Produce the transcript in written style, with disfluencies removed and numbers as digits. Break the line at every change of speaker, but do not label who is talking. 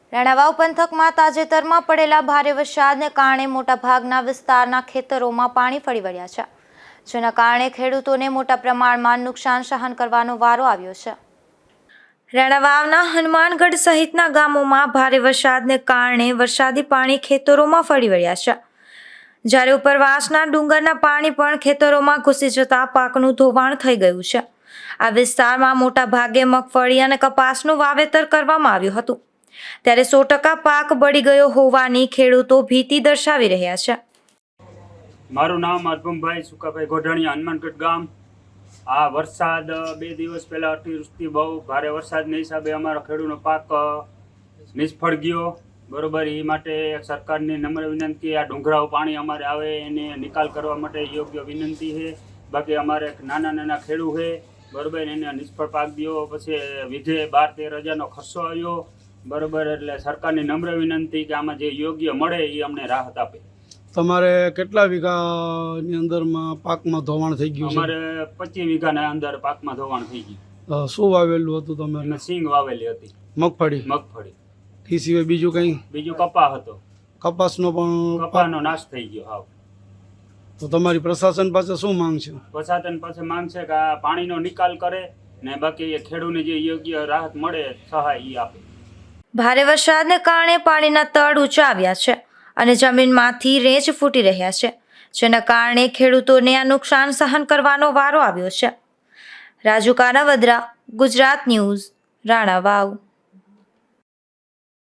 રાણાવાવ પંથકમાં તાજેતરમાં પડેલા ભારે વરસાદને કારણે મોટાભાગના વિસ્તારના ખેતરોમાં પાણી ફરી વળ્યા છે, જેના કારણે ખેડૂતોને મોટા પ્રમાણમાં નુકસાન સહન કરવાનો વારો આવ્યો છે. રાણાવાવના હનુમાનગઢ સહિતના ગામોમાં ભારે વરસાદને કારણે વરસાદી પાણી ખેતરોમાં ફરી વળ્યા છે, જ્યારે ઉપરવાસના ડુંગરના પાણી પણ ખેતરોમાં ઘૂસી જતા પાકનું ધોવાણ થઈ ગયું છે. આ વિસ્તારમાં મોટા ભાગે મગફળી અને કપાસનું વાવેતર કરવામાં આવ્યું હતું, ત્યારે 100% પાક બળી ગયો હોવાની ખેડૂતો ભીતિ દર્શાવી રહ્યા છે.
મારું નામ અર્પમભાઈ સુકાભાઈ ગોઢાણીયા, હનુમાનગઢ ગામ. આ વરસાદ 2 દિવસ પહેલા અતિવૃષ્ટિ બહુ ભારે વરસાદના હિસાબે અમારો ખેડૂતનો પાક નિષ્ફળ ગયો. બરોબર, એ માટે સરકારની નમ્ર વિનંતી, આ ડુંગરાઓ પાણી અમારે આવે એને નિકાલ કરવા માટે યોગ્ય વિનંતી છે. બાકી અમારે નાના ખેડૂત છે, બરોબર, એને નિષ્ફળ પાક દો. પછી વિધે 12-13 હજારનો ખર્ચો આવ્યો. બરોબર, એટલે સરકારની નમ્ર વિનંતી કે આમાં જે યોગ્ય મળે એ અમને રાહત આપે.
તમારે કેટલા વીઘાની અંદરમાં પાકમાં ધોવાણ થઈ ગયું?
અમારે 25 વીઘાના અંદર પાકમાં ધોવાણ થઈ ગયું.
શું વાવેલું હતું તમે?
અમે સિંગ વાવેલી હતી.
મગફળી. એ સિવાય બીજું કંઈ?
બીજું કપા હતો.
કપાસનો પણ?
કપાનો નાશ થઈ ગયો હાવ.
તો તમારી પ્રશાસન પાસે શું માંગ છે?
પ્રશાસન પાસે માંગ છે કે આ પાણીનો નિકાલ કરે ને બાકી ખેડૂતને જે યોગ્ય રાહત મળે સહાય એ આપે.
ભારે વરસાદને કારણે પાણીના તળ ઊંચા આવ્યા છે અને જમીનમાંથી રેંચ ફૂટી રહ્યા છે, જેના કારણે ખેડૂતોને આ નુકસાન સહન કરવાનો વારો આવ્યો છે. રાજુ કાનાવદરા, ગુજરાત ન્યૂઝ, રાણાવાવ.